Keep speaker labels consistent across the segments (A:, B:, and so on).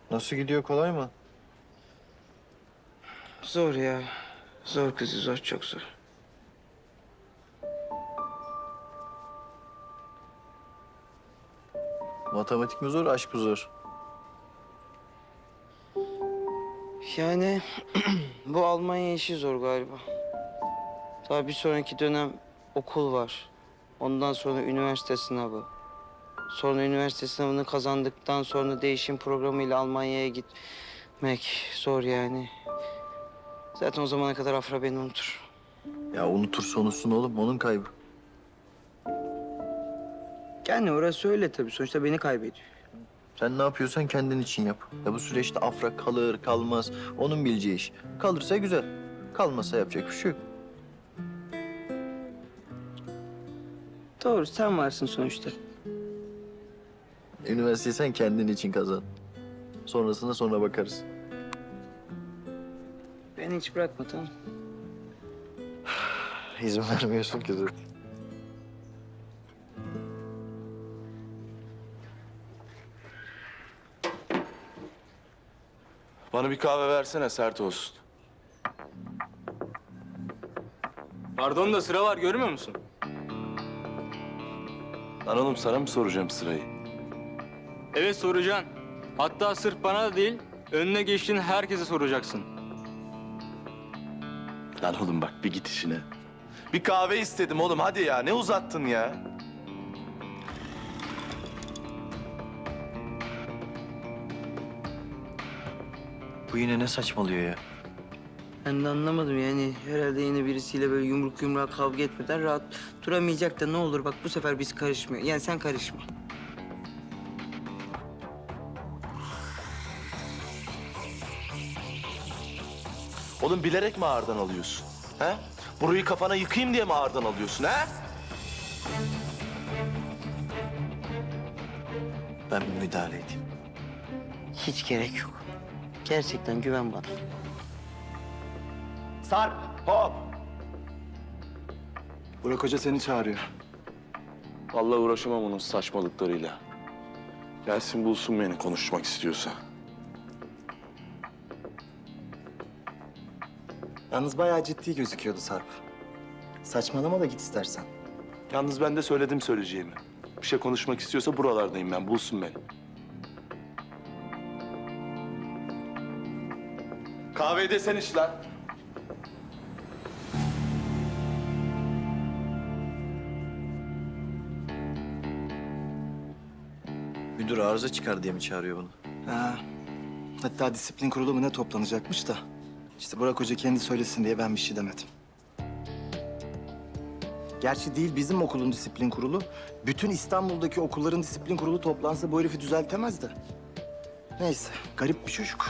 A: Nasıl gidiyor, kolay mı?
B: Zor ya. Zor kızı zor, çok zor.
A: Matematik mi zor, aşk mı zor?
B: Yani bu Almanya işi zor galiba. Daha bir sonraki dönem okul var. Ondan sonra üniversite sınavı. Sonra üniversite sınavını kazandıktan sonra değişim programıyla Almanya'ya gitmek zor yani. Zaten o zamana kadar Afra beni unutur.
A: Ya unutursa unutsun oğlum, onun kaybı.
B: Yani orası öyle tabii. Sonuçta beni kaybediyor.
A: Sen ne yapıyorsan kendin için yap. Ya bu süreçte Afra kalır, kalmaz. Onun bileceği iş. Kalırsa güzel. Kalmasa yapacak bir şey yok.
B: Doğru, sen varsın sonuçta.
A: Üniversiteyi sen kendin için kazan. Sonrasına sonra bakarız.
B: Beni hiç bırakma, tamam.
A: İzin vermiyorsun ki zaten.
C: Bana bir kahve versene, sert olsun.
D: Pardon da sıra var, görmüyor musun?
C: Lan oğlum, sana mı soracağım sırayı?
D: Evet, soracaksın. Hatta sırf bana da değil, önüne geçtiğin herkese soracaksın.
C: Lan oğlum bak, bir git işine. Bir kahve istedim oğlum, hadi ya. Ne uzattın ya?
A: Bu yine ne saçmalıyor ya?
B: Ben de anlamadım yani. Herhalde yine birisiyle böyle yumruk yumruğa kavga etmeden rahat duramayacak da ne olur bak bu sefer biz karışmıyor. Yani sen karışma.
C: Oğlum bilerek mi ağırdan alıyorsun? He? Burayı kafana yıkayım diye mi ağırdan alıyorsun, he?
A: Ben bir müdahale edeyim.
B: Hiç gerek yok. Gerçekten güven bana.
C: Sarp, hop!
E: Burak Hoca seni çağırıyor.
C: Vallahi uğraşamam onun saçmalıklarıyla. Gelsin bulsun beni konuşmak istiyorsa.
E: Yalnız bayağı ciddi gözüküyordu Sarp. Saçmalama da git istersen.
C: Yalnız ben de söyledim söyleyeceğimi. Bir şey konuşmak istiyorsa buralardayım ben, bulsun beni. Kahveyi de sen iç lan.
A: Müdür arıza çıkar diye mi çağırıyor bunu?
E: Ha. Hatta disiplin kurulu mu ne toplanacakmış da. İşte Burak Hoca kendi söylesin diye ben bir şey demedim. Gerçi değil bizim okulun disiplin kurulu. Bütün İstanbul'daki okulların disiplin kurulu toplansa bu herifi düzeltemez de. Neyse, garip bir çocuk.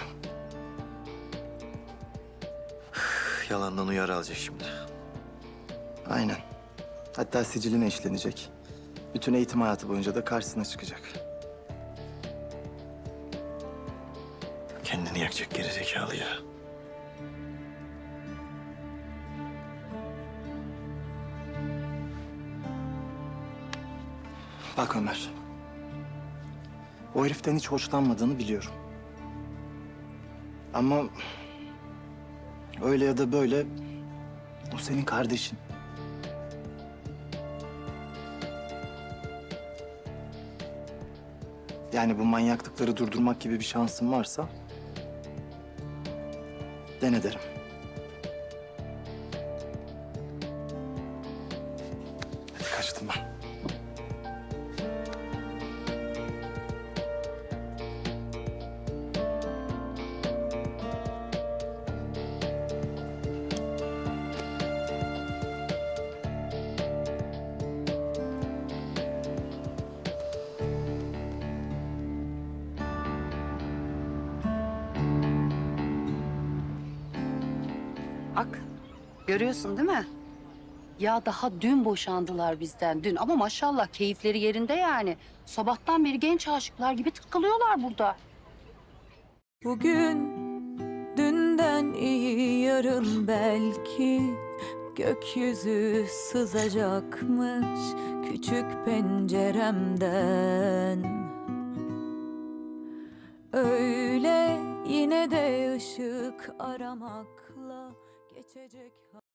A: Yalandan uyarı alacak şimdi.
E: Aynen. Hatta siciline işlenecek. Bütün eğitim hayatı boyunca da karşısına çıkacak.
A: Kendini yakacak gerizekalı ya.
E: Bak Ömer. O heriften hiç hoşlanmadığını biliyorum. Ama öyle ya da böyle o senin kardeşin. Yani bu manyaklıkları durdurmak gibi bir şansın varsa dene derim. Hadi kaçtım ben.
F: Bak, görüyorsun değil mi? Ya daha dün boşandılar bizden dün ama maşallah keyifleri yerinde yani. Sabahtan beri genç aşıklar gibi takılıyorlar burada.
G: Bugün dünden iyi yarın belki gökyüzü sızacakmış küçük penceremden. Öyle Yine de ışık aramakla geçecek